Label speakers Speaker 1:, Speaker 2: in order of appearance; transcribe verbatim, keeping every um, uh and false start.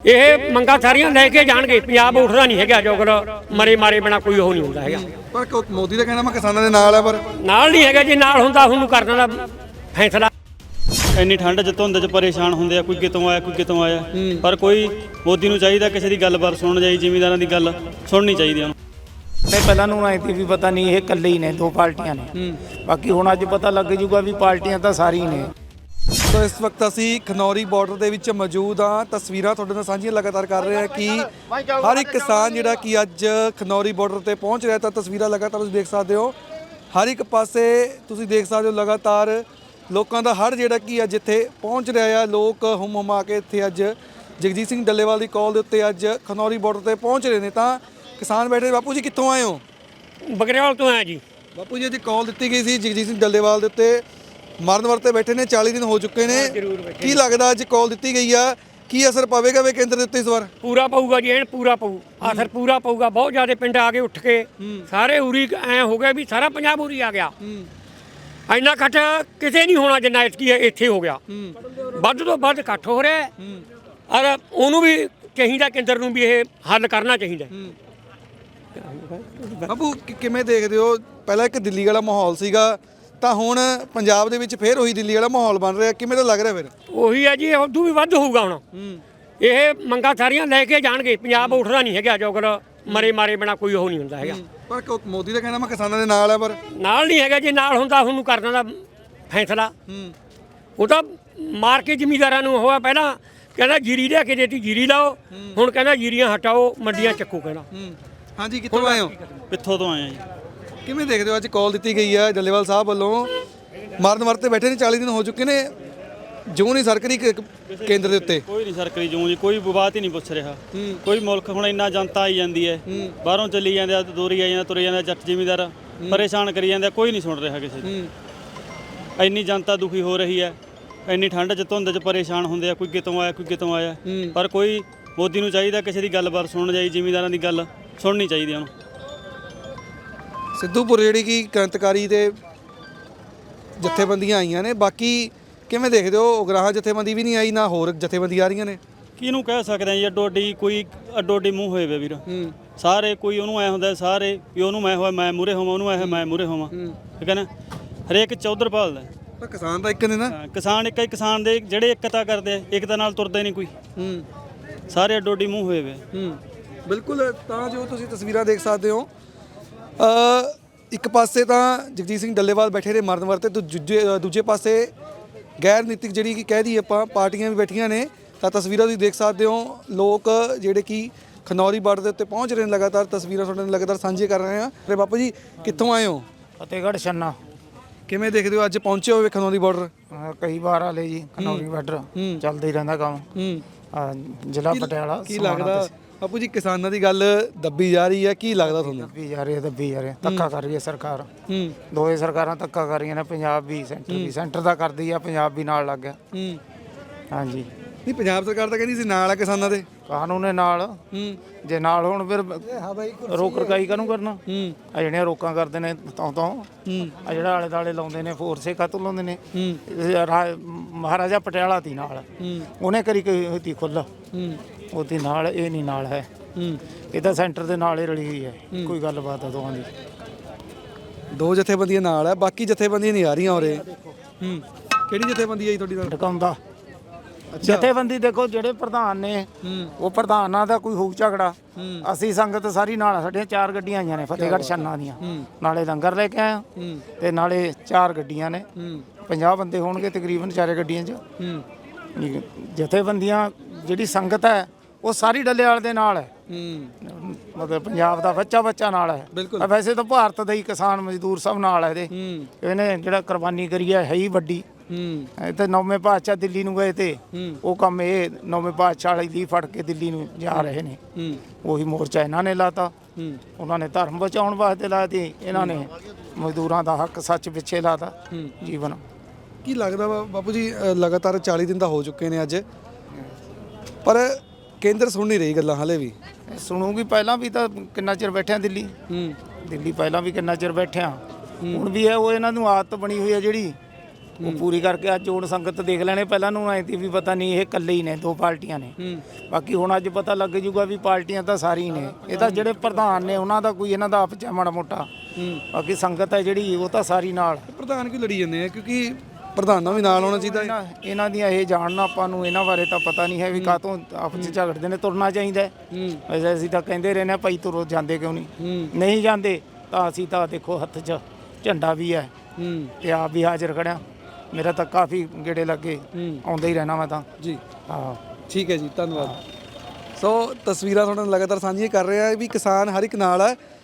Speaker 1: ਇਹ ਮੰਗਾਂ ਸਾਰੀਆਂ ਲੈ ਕੇ ਜਾਣਗੇ। ਪੰਜਾਬ ਉੱਠਦਾ ਨਹੀਂ ਹੈਗਾ, ਜੋਗਰ ਮਰੇ ਮਾਰੇ ਬਿਨਾ ਕੋਈ ਉਹ ਨਹੀਂ ਹੁੰਦਾ ਹੈਗਾ।
Speaker 2: ਪਰ ਕ- ਮੋਦੀ ਦਾ ਕਹਿਣਾ ਮੈਂ ਕਿਸਾਨਾਂ ਦੇ ਨਾਲ ਹੈ, ਪਰ
Speaker 1: ਨਾਲ ਨਹੀਂ ਹੈਗਾ, ਜੇ ਨਾਲ ਹੁੰਦਾ ਉਹਨੂੰ ਕਰ ਦੇਣਾ ਫੈਸਲਾ।
Speaker 3: ਇੰਨੀ ਠੰਡ 'ਚ ਧੁੰਦ 'ਚ ਪਰੇਸ਼ਾਨ ਹੁੰਦੇ ਆ, ਕੋਈ ਕਿਤੋਂ ਆਇਆ ਕੋਈ ਕਿਤੋਂ ਆਇਆ, ਪਰ ਕੋਈ ਮੋਦੀ ਨੂੰ ਚਾਹੀਦਾ ਕਿਸੇ ਦੀ ਗੱਲਬਾਤ ਸੁਣਨ ਜਾਈ, ਜ਼ਿਮੀਂਦਾਰਾਂ ਦੀ ਗੱਲ ਸੁਣਨੀ ਚਾਹੀਦੀ ਉਹਨੂੰ।
Speaker 4: ਤੇ ਪਹਿਲਾਂ ਨੂੰ ਆਈ ਸੀ ਵੀ ਪਤਾ ਨਹੀਂ ਇਹ ਇਕੱਲੇ ਹੀ ਨੇ, ਦੋ ਪਾਰਟੀਆਂ ਨੇ, ਬਾਕੀ ਹੁਣ ਅੱਜ ਪਤਾ ਲੱਗ ਜੂਗਾ ਵੀ ਪਾਰਟੀਆਂ ਤਾਂ ਸਾਰੀਆਂ ਨੇ।
Speaker 2: ਸੋ ਇਸ ਵਕਤ ਅਸੀਂ ਖਨੌਰੀ ਬਾਰਡਰ ਦੇ ਵਿੱਚ ਮੌਜੂਦ ਹਾਂ। ਤਸਵੀਰਾਂ ਤੁਹਾਡੇ ਨਾਲ ਸਾਂਝੀਆਂ ਲਗਾਤਾਰ ਕਰ ਰਹੇ ਹਾਂ ਕਿ ਹਰ ਇੱਕ ਕਿਸਾਨ ਜਿਹੜਾ ਕਿ ਅੱਜ ਖਨੌਰੀ ਬਾਰਡਰ ਤੇ ਪਹੁੰਚ ਰਿਹਾ, ਤਾਂ ਤਸਵੀਰਾਂ ਲਗਾਤਾਰ ਤੁਸੀਂ ਦੇਖ ਸਕਦੇ ਹੋ। ਹਰ ਇੱਕ ਪਾਸੇ ਤੁਸੀਂ ਦੇਖ ਸਕਦੇ ਹੋ ਲਗਾਤਾਰ ਲੋਕਾਂ ਦਾ ਹੜ ਜਿਹੜਾ ਕਿ ਅੱਜ ਇੱਥੇ ਪਹੁੰਚ ਰਿਹਾ ਆ। ਲੋਕ ਹੁਮ ਹੁਮਾ ਕੇ ਇੱਥੇ ਅੱਜ ਜਗਜੀਤ ਸਿੰਘ ਡੱਲੇਵਾਲ ਦੀ ਕਾਲ ਦੇ ਉੱਤੇ ਅੱਜ ਖਨੌਰੀ ਬਾਰਡਰ ਤੇ ਪਹੁੰਚ ਰਹੇ ਨੇ। ਤਾਂ ਕਿਸਾਨ ਬੈਠੇ। ਬਾਪੂ ਜੀ ਕਿੱਥੋਂ ਆਏ ਹੋ?
Speaker 1: ਬਗਰੇਵਾਲ ਤੋਂ ਆਇਆ ਜੀ।
Speaker 2: ਬਾਪੂ ਜੀ ਅੱਜ ਕਾਲ ਦਿੱਤੀ ਗਈ ਸੀ ਜਗਜੀਤ ਸਿੰਘ ਡੱਲੇਵਾਲ ਦੇ ਉੱਤੇ, ਮਰਨ ਵਰਤੇ ਬੈਠੇ ਨੇ, ਚਾਲੀ ਦਿਨ ਹੋ ਚੁੱਕੇ ਨੇ। ਕੀ ਲੱਗਦਾ ਅੱਜ ਕਾਲ ਦਿੱਤੀ ਗਈ ਆ, ਕੀ ਅਸਰ ਪਵੇਗਾ ਵੇ ਕੇਂਦਰ ਦੇ ਉੱਤੇ ਇਸ ਵਾਰ?
Speaker 1: ਪੂਰਾ ਪਊਗਾ ਜੀ, ਐਨ ਪੂਰਾ ਪਊ, ਅਸਰ ਪੂਰਾ ਪਊਗਾ। ਬਹੁਤ ਜ਼ਿਆਦਾ ਪਿੰਡ ਆ ਕੇ ਉੱਠ ਕੇ ਸਾਰੇ ਉਰੀ ਐ ਹੋ ਗਿਆ ਵੀ ਸਾਰਾ ਪੰਜਾਬ ਉਰੀ ਆ ਗਿਆ। ਇੰਨਾ ਇਕੱਠ ਕਿਤੇ ਨਹੀਂ ਹੋਣਾ ਜਿੰਨਾ ਇਤਕੀ ਇੱਥੇ ਹੋ ਗਿਆ। ਵੱਧ ਤੋਂ ਵੱਧ ਇਕੱਠ ਹੋ ਰਿਹਾ ਔਰ ਉਹਨੂੰ ਵੀ ਚਾਹੀਦਾ, ਕੇਂਦਰ ਨੂੰ ਵੀ ਇਹ ਹੱਲ ਕਰਨਾ ਚਾਹੀਦਾ।
Speaker 2: ਬਾਪੂ ਕਿ- ਕਿਵੇਂ ਦੇਖਦੇ ਹੋ? ਪਹਿਲਾਂ ਇੱਕ ਦਿੱਲੀ ਵਾਲਾ ਮਾਹੌਲ ਸੀਗਾ, ਤਾਂ ਹੁਣ ਪੰਜਾਬ ਦੇ ਵਿੱਚ ਫੇਰ ਉਹੀ ਦਿੱਲੀ ਵਾਲਾ ਮਾਹੌਲ ਬਣ ਰਿਹਾ, ਕਿਵੇਂ ਦਾ ਲੱਗ ਰਿਹਾ ਫਿਰ?
Speaker 1: ਉਹੀ ਹੈ ਜੀ, ਉਦੋਂ ਵੀ ਵੱਧ ਹੋਊਗਾ ਹੁਣ। ਇਹ ਮੰਗਾਂ ਸਾਰੀਆਂ ਲੈ ਕੇ ਜਾਣਗੇ। ਪੰਜਾਬ ਉੱਠਦਾ ਨਹੀਂ ਹੈਗਾ, ਜੋਗਰ ਮਰੇ ਮਾਰੇ ਬਿਨਾ ਕੋਈ ਉਹ ਨਹੀਂ ਹੁੰਦਾ ਹੈਗਾ।
Speaker 2: ਪਰ ਕ- ਮੋਦੀ ਦਾ ਕਹਿਣਾ ਮੈਂ ਕਿਸਾਨਾਂ ਦੇ ਨਾਲ ਹੈ, ਪਰ
Speaker 1: ਨਾਲ ਨਹੀਂ ਹੈਗਾ, ਜੇ ਨਾਲ ਹੁੰਦਾ ਉਹਨੂੰ ਕਰ ਦੇਣਾ ਫੈਸਲਾ। ਉਹ ਤਾਂ ਮਾਰ ਕੇ ਜ਼ਿਮੀਂਦਾਰਾਂ ਨੂੰ ਹੋਇਆ। ਪਹਿਲਾਂ ਕਹਿੰਦਾ ਜੀਰੀ ਲਿਆ ਕੇ ਦੇਤੀ, ਜੀਰੀ ਲਾਓ, ਹੁਣ ਕਹਿੰਦਾ ਜੀਰੀਆਂ ਹਟਾਓ, ਮੰਡੀਆਂ ਚੱਕੋ ਕਹਿੰਦਾ।
Speaker 2: ਹਾਂਜੀ, ਕਿੱਥੋਂ ਆਏ ਹੋ?
Speaker 3: ਪਿੱਥੋਂ ਤੋਂ ਆਏ ਆ ਜੀ।
Speaker 2: ਕਿਵੇਂ ਦੇਖਦੇ ਹੋ ਅੱਜ ਕਾਲ ਦਿੱਤੀ ਗਈ ਹੈ ਡੱਲੇਵਾਲ ਸਾਹਿਬ ਵੱਲੋਂ, ਮਰਨ ਵਰਤੇ ਬੈਠੇ ਨੇ, ਚਾਲੀ ਦਿਨ ਹੋ ਚੁੱਕੇ ਨੇ, ਜੋ ਨਹੀਂ ਸਰਕਾਰੀ ਕ- ਕੇਂਦਰ ਦੇ ਉੱਤੇ?
Speaker 3: ਕੋਈ ਨਹੀਂ ਸਰਕਾਰੀ ਜੂੰ ਜੀ, ਕੋਈ ਬਾਤ ਹੀ ਨਹੀਂ ਪੁੱਛ ਰਿਹਾ। ਕੋਈ ਮੁਲਕ ਹੁਣ ਇੰਨਾ ਜਨਤਾ ਆਈ ਜਾਂਦੀ ਹੈ, ਬਾਹਰੋਂ ਚੱਲੀ ਜਾਂਦੇ ਆ, ਦੋਰੀ ਆਈ ਜਾਂਦਾ, ਤੁਰੇ ਜਾਂਦੇ, ਜੱਟ ਜ਼ਿਮੀਂਦਾਰ ਪਰੇਸ਼ਾਨ ਕਰੀ ਜਾਂਦੇ, ਕੋਈ ਨਹੀਂ ਸੁਣ ਰਿਹਾ ਕਿਸੇ ਦੀ। ਇੰਨੀ ਜਨਤਾ ਦੁਖੀ ਹੋ ਰਹੀ ਹੈ, ਇੰਨੀ ਠੰਡ 'ਚ ਧੁੰਦ 'ਚ ਪਰੇਸ਼ਾਨ ਹੁੰਦੇ ਆ, ਕੋਈ ਕਿਤੋਂ ਆਇਆ ਕੋਈ ਕਿਤੋਂ ਆਇਆ, ਪਰ ਕੋਈ ਮੋਦੀ ਨੂੰ ਚਾਹੀਦਾ ਕਿਸੇ ਦੀ ਗੱਲਬਾਤ ਸੁਣਨ ਜਾਈ, ਜ਼ਿਮੀਂਦਾਰਾਂ ਦੀ ਗੱਲ ਸੁਣਨੀ ਚਾਹੀਦੀ ਉਹਨੂੰ।
Speaker 2: ਸਿੱਧੂਪੁਰ ਜਿਹੜੀ ਕਿ ਕ੍ਰਾਂਤੀਕਾਰੀ ਦੇ ਜਥੇਬੰਦੀਆਂ ਆਈਆਂ ਨੇ, ਬਾਕੀ ਕਿਵੇਂ ਦੇਖਦੇ ਹੋ? ਉਗਰਾਹਾਂ ਜਥੇਬੰਦੀ ਵੀ ਨਹੀਂ ਆਈ, ਨਾ ਹੋਰ ਜਥੇਬੰਦੀ ਆ ਰਹੀਆਂ ਨੇ।
Speaker 3: ਕਿਹਨੂੰ ਕਹਿ ਸਕਦੇ ਆ ਜੀ, ਅੱਡੋ ਅੱਡੀ ਕੋਈ ਅੱਡੋ ਅੱਡੀ ਮੂੰਹ ਹੋਏ ਵੇ ਵੀਰ। ਸਾਰੇ ਕੋਈ ਉਹਨੂੰ ਐ ਹੁੰਦਾ, ਸਾਰੇ ਵੀ ਉਹਨੂੰ ਮੈਂ ਹੋਇਆ ਮੈਂ ਮੂਰੇ ਹੋਵਾਂ, ਉਹਨੂੰ ਐ ਮੈਂ ਮੂਰੇ ਹੋਵਾਂ, ਠੀਕ ਹੈ ਨਾ। ਹਰੇਕ ਚੌਧਰ ਭਾਲਦਾ।
Speaker 2: ਪਰ ਕਿਸਾਨ ਤਾਂ ਇੱਕ ਨੇ ਨਾ।
Speaker 3: ਹਾਂ, ਕਿਸਾਨ ਇੱਕ ਹੀ ਕਿਸਾਨ ਦੇ ਜਿਹੜੇ ਏਕਤਾ ਕਰਦੇ ਆ, ਏਕਤਾ ਨਾਲ ਤੁਰਦੇ ਨਹੀਂ ਕੋਈ। ਸਾਰੇ ਅੱਡੋ ਅੱਡੀ ਮੂੰਹ ਹੋਏ ਵੇ।
Speaker 2: ਬਿਲਕੁਲ। ਤਾਂ ਜੋ ਤੁਸੀਂ ਤਸਵੀਰਾਂ ਦੇਖ ਸਕਦੇ ਹੋ, ਅ, ਇੱਕ ਪਾਸੇ ਤਾਂ ਜਗਜੀਤ ਸਿੰਘ ਡੱਲੇਵਾਲ ਬੈਠੇ ਨੇ ਮਰਨ ਵਰਤੇ, ਤੇ ਦੂਜੇ ਦੂਜੇ ਪਾਸੇ ਗੈਰ ਨੀਤਿਕ ਜਿਹੜੀ ਕਿ ਕਹਿ ਦਈਏ ਆਪਾਂ ਪਾਰਟੀਆਂ ਵੀ ਬੈਠੀਆਂ ਨੇ। ਤਾਂ ਤਸਵੀਰਾਂ ਤੁਸੀਂ ਦੇਖ ਸਕਦੇ ਹੋ, ਲੋਕ ਜਿਹੜੇ ਕਿ ਖਨੌਰੀ ਬਾਰਡਰ ਦੇ ਉੱਤੇ ਪਹੁੰਚ ਰਹੇ ਨੇ। ਲਗਾਤਾਰ ਤਸਵੀਰਾਂ ਤੁਹਾਡੇ ਨਾਲ ਲਗਾਤਾਰ ਸਾਂਝੀਆਂ ਕਰ ਰਹੇ ਹਾਂ। ਤੇ ਬਾਪੂ ਜੀ ਕਿੱਥੋਂ ਆਏ ਹੋ?
Speaker 4: ਫਤਿਹਗੜ੍ਹ ਛੰਨਾ।
Speaker 2: ਕਿਵੇਂ ਦੇਖਦੇ ਹੋ ਅੱਜ ਪਹੁੰਚੇ ਹੋਵੇ ਖਨੌਰੀ ਬਾਰਡਰ?
Speaker 4: ਹਾਂ, ਕਈ ਵਾਰ ਆਲੇ ਜੀ ਖਨੌਰੀ ਬਾਰਡਰ ਚੱਲਦਾ ਹੀ ਰਹਿੰਦਾ ਕੰਮ। ਹਾਂ, ਜ਼ਿਲ੍ਹਾ ਪਟਿਆਲਾ।
Speaker 2: ਕੀ ਲੱਗਦਾ ਬਾਪੂ ਜੀ ਕਿਸਾਨਾਂ ਦੀ ਗੱਲ ਦੱਬੀ ਜਾ ਰਹੀ ਹੈ, ਕੀ ਲੱਗਦਾ ਤੁਹਾਨੂੰ?
Speaker 4: ਦੱਬੀ ਜਾ ਰਹੀ ਹੈ, ਦੱਬੀ ਜਾ ਰਹੀ ਹੈ, ਧੱਕਾ ਕਰ ਰਹੀ ਹੈ ਸਰਕਾਰ।
Speaker 2: ਹੂੰ
Speaker 4: ਦੋਵੇਂ ਸਰਕਾਰਾਂ ਧੱਕਾ ਕਰ ਰਹੀਆਂ ਨੇ, ਪੰਜਾਬ ਵੀ ਸੈਂਟਰ ਵੀ। ਸੈਂਟਰ ਦਾ ਕਰਦੀ ਆ, ਪੰਜਾਬ ਵੀ ਨਾਲ ਲੱਗ ਗਿਆ।
Speaker 2: ਹੂੰ
Speaker 4: ਹਾਂਜੀ,
Speaker 2: ਨਹੀਂ, ਪੰਜਾਬ ਸਰਕਾਰ ਤਾਂ ਕਹਿੰਦੀ ਸੀ ਨਾਲ ਆ ਕਿਸਾਨਾਂ ਦੇ।
Speaker 4: ਕਾਨੂੰਨ ਨੇ ਨਾਲ।
Speaker 2: ਹੂੰ
Speaker 4: ਜੇ ਨਾਲ ਹੋਣ ਫਿਰ ਰੋਕ ਰਕਾਈ ਕਾਹਨੂੰ ਕਰਨਾ?
Speaker 2: ਹੂੰ
Speaker 4: ਆ ਜਿਹੜੀਆਂ ਰੋਕਾਂ ਕਰਦੇ ਨੇ ਤੋਂ ਤੋਂ,
Speaker 2: ਹੂੰ
Speaker 4: ਆ ਜਿਹੜਾ ਆਲੇ ਦਾਲੇ ਲਾਉਂਦੇ ਨੇ, ਫੋਰਸੇ ਕਾਹਤੋਂ ਲਾਉਂਦੇ ਨੇ?
Speaker 2: ਹੂੰ
Speaker 4: ਇਹ ਰਾ- ਮਹਾਰਾਜਾ ਪਟਿਆਲਾ ਤੀ ਨਾਲ,
Speaker 2: ਹੂੰ
Speaker 4: ਉਹਨੇ ਕਰੀ ਕੋਈ ਤੀ ਖੁੱਲ੍ਹ,
Speaker 2: ਹੂੰ
Speaker 4: ਉਹਦੀ ਨਾਲ ਇਹ ਨਹੀਂ ਨਾਲ ਹੈ।
Speaker 2: ਹੂੰ
Speaker 4: ਇਹ ਤਾਂ ਸੈਂਟਰ ਦੇ ਨਾਲ ਹੀ ਰਲੀ ਹੋਈ ਹੈ। ਕੋਈ ਗੱਲਬਾਤ ਆ ਦੋਵਾਂ ਦੀ।
Speaker 2: ਦੋ ਜਥੇਬੰਦੀਆਂ ਨਾਲ ਹੈ, ਬਾਕੀ ਜਥੇਬੰਦੀਆਂ ਨਹੀਂ ਆ ਰਹੀਆਂ ਉਰੇ। ਹੂੰ ਕਿਹੜੀ ਜਥੇਬੰਦੀ ਆਈ ਤੁਹਾਡੀ ਨਾਲ?
Speaker 4: ਢਕਾਉਂਦਾ ਜਥੇਬੰਦੀ ਦੇਖੋ, ਜਿਹੜੇ ਪ੍ਰਧਾਨ ਨੇ ਉਹ ਪ੍ਰਧਾਨਾਂ ਦਾ ਕੋਈ ਹੋਊ ਝਗੜਾ। ਅਸੀਂ ਸੰਗਤ ਸਾਰੀ ਨਾਲ, ਸਾਡੀਆਂ ਚਾਰ ਗੱਡੀਆਂ ਆਈਆਂ ਨੇ ਫਤਿਹਗੜ੍ਹ ਛੰਨਾ ਦੀਆਂ, ਨਾਲੇ ਲੰਗਰ ਲੈ ਕੇ ਆਇਆ ਤੇ ਨਾਲੇ ਚਾਰ ਗੱਡੀਆਂ ਨੇ। ਪੰਜਾਹ ਬੰਦੇ ਹੋਣਗੇ ਤਕਰੀਬਨ ਚਾਰੇ ਗੱਡੀਆਂ 'ਚ। ਜਥੇਬੰਦੀਆਂ ਜਿਹੜੀ ਸੰਗਤ ਹੈ ਉਹ ਸਾਰੀ ਡੱਲੇਵਾਲ ਦੇ ਨਾਲ ਹੈ। ਮਤਲਬ ਪੰਜਾਬ ਦਾ ਬੱਚਾ ਬੱਚਾ ਨਾਲ ਹੈ। ਵੈਸੇ ਤਾਂ ਭਾਰਤ ਦਾ ਹੀ ਕਿਸਾਨ ਮਜ਼ਦੂਰ ਸਭ ਨਾਲ ਹੈ। ਇਹਦੇ ਇਹਨੇ ਜਿਹੜਾ ਕੁਰਬਾਨੀ ਕਰੀ ਹੈ ਹੈ ਹੀ ਵੱਡੀ। ਇਹ ਤੇ ਨੌਵੇਂ ਪਾਤਸ਼ਾਹ ਦਿੱਲੀ ਨੂੰ ਗਏ ਤੇ ਉਹ ਕੰਮ ਇਹ ਨੌਵੇਂ ਪਾਤਸ਼ਾਹ ਵਾਲੀ ਦੀ ਫੜ ਕੇ ਦਿੱਲੀ ਨੂੰ ਜਾ ਰਹੇ ਨੇ। ਉਹੀ ਮੋਰਚਾ ਇਹਨਾਂ ਨੇ ਲਾਤਾ। ਉਹਨਾਂ ਨੇ ਧਰਮ ਬਚਾਉਣ ਵਾਸਤੇ ਲਾਇਆ ਤੇ ਇਹਨਾਂ ਨੇ ਮਜ਼ਦੂਰਾਂ ਦਾ ਹੱਕ ਸੱਚ ਪਿੱਛੇ ਲਾਤਾ ਜੀਵਨ।
Speaker 2: ਕੀ ਲੱਗਦਾ ਵਾ ਬਾਪੂ ਜੀ, ਅ, ਲਗਾਤਾਰ ਚਾਲੀ ਦਿਨ ਤਾਂ ਹੋ ਚੁੱਕੇ ਨੇ ਅੱਜ, ਪਰ ਕੇਂਦਰ ਸੁਣ ਨਹੀਂ ਰਹੀ ਗੱਲਾਂ ਹਾਲੇ ਵੀ।
Speaker 4: ਸੁਣੂਗੀ। ਪਹਿਲਾਂ ਵੀ ਤਾਂ ਕਿੰਨਾ ਚਿਰ ਬੈਠਿਆ ਦਿੱਲੀ। ਦਿੱਲੀ ਪਹਿਲਾਂ ਵੀ ਕਿੰਨਾ ਚਿਰ ਬੈਠਿਆ, ਹੁਣ ਵੀ ਹੈ। ਉਹ ਇਹਨਾਂ ਨੂੰ ਆਦਤ ਬਣੀ ਹੋਈ ਹੈ ਜਿਹੜੀ ਉਹ ਪੂਰੀ ਕਰਕੇ ਅੱਜ ਹੁਣ ਸੰਗਤ ਦੇਖ ਲੈਣੇ। ਪਹਿਲਾਂ ਨੂੰ ਐਂ ਤੀ ਵੀ ਪਤਾ ਨਹੀਂ ਇਹ ਇਕੱਲੇ ਹੀ ਨੇ, ਦੋ ਪਾਰਟੀਆਂ ਨੇ। ਬਾਕੀ ਹੁਣ ਅੱਜ ਪਤਾ ਲੱਗ ਜੂਗਾ ਵੀ ਪਾਰਟੀਆਂ ਤਾਂ ਸਾਰੀ ਨੇ। ਇਹ ਤਾਂ ਜਿਹੜੇ ਪ੍ਰਧਾਨ ਨੇ ਉਹਨਾਂ ਦਾ ਕੋਈ ਇਹਨਾਂ ਦਾ ਆਪਸ 'ਚ ਮਾੜਾ ਮੋਟਾ, ਬਾਕੀ ਸੰਗਤ ਹੈ ਜਿਹੜੀ ਉਹ ਤਾਂ ਸਾਰੀ ਨਾਲ।
Speaker 2: ਪ੍ਰਧਾਨ ਕਿਉਂ ਲੜੀ ਜਾਂਦੇ ਆ? ਕਿਉਂਕਿ ਪ੍ਰਧਾਨਾਂ ਵੀ ਨਾਲ ਹੋਣਾ ਚਾਹੀਦਾ ਹੈ।
Speaker 4: ਇਹਨਾਂ ਇਹਨਾਂ ਦੀਆਂ ਇਹ ਜਾਣਨਾ ਆਪਾਂ ਨੂੰ, ਇਹਨਾਂ ਬਾਰੇ ਤਾਂ ਪਤਾ ਨਹੀਂ ਹੈ ਵੀ ਕਾਹਤੋਂ ਆਪਸ 'ਚ ਝਗੜਦੇ ਨੇ। ਤੁਰਨਾ ਚਾਹੀਦਾ ਹੈ। ਵੈਸੇ ਅਸੀਂ ਤਾਂ ਕਹਿੰਦੇ ਰਹਿੰਦੇ ਹਾਂ ਭਾਈ ਤੁਰੋ, ਜਾਂਦੇ ਕਿਉਂ ਨਹੀਂ? ਨਹੀਂ ਜਾਂਦੇ ਤਾਂ ਅਸੀਂ ਤਾਂ ਦੇਖੋ ਹੱਥ 'ਚ ਝੰਡਾ ਵੀ ਹੈ ਤੇ ਆਪ ਵੀ ਹਾਜ਼ਰ ਖੜਿਆ। ਮੇਰਾ ਤਾਂ ਕਾਫੀ ਗੇੜੇ ਲੱਗੇ, ਆਉਂਦਾ ਹੀ ਰਹਿਣਾ ਮੈਂ ਤਾਂ
Speaker 2: ਜੀ
Speaker 4: ਹਾਂ।
Speaker 2: ਠੀਕ ਹੈ ਜੀ, ਧੰਨਵਾਦ। ਸੋ ਤਸਵੀਰਾਂ ਤੁਹਾਡੇ ਨਾਲ ਲਗਾਤਾਰ ਸਾਂਝੀਆਂ ਕਰ ਰਹੇ ਆ ਵੀ ਕਿਸਾਨ ਹਰ ਇੱਕ ਨਾਲ ਹੈ।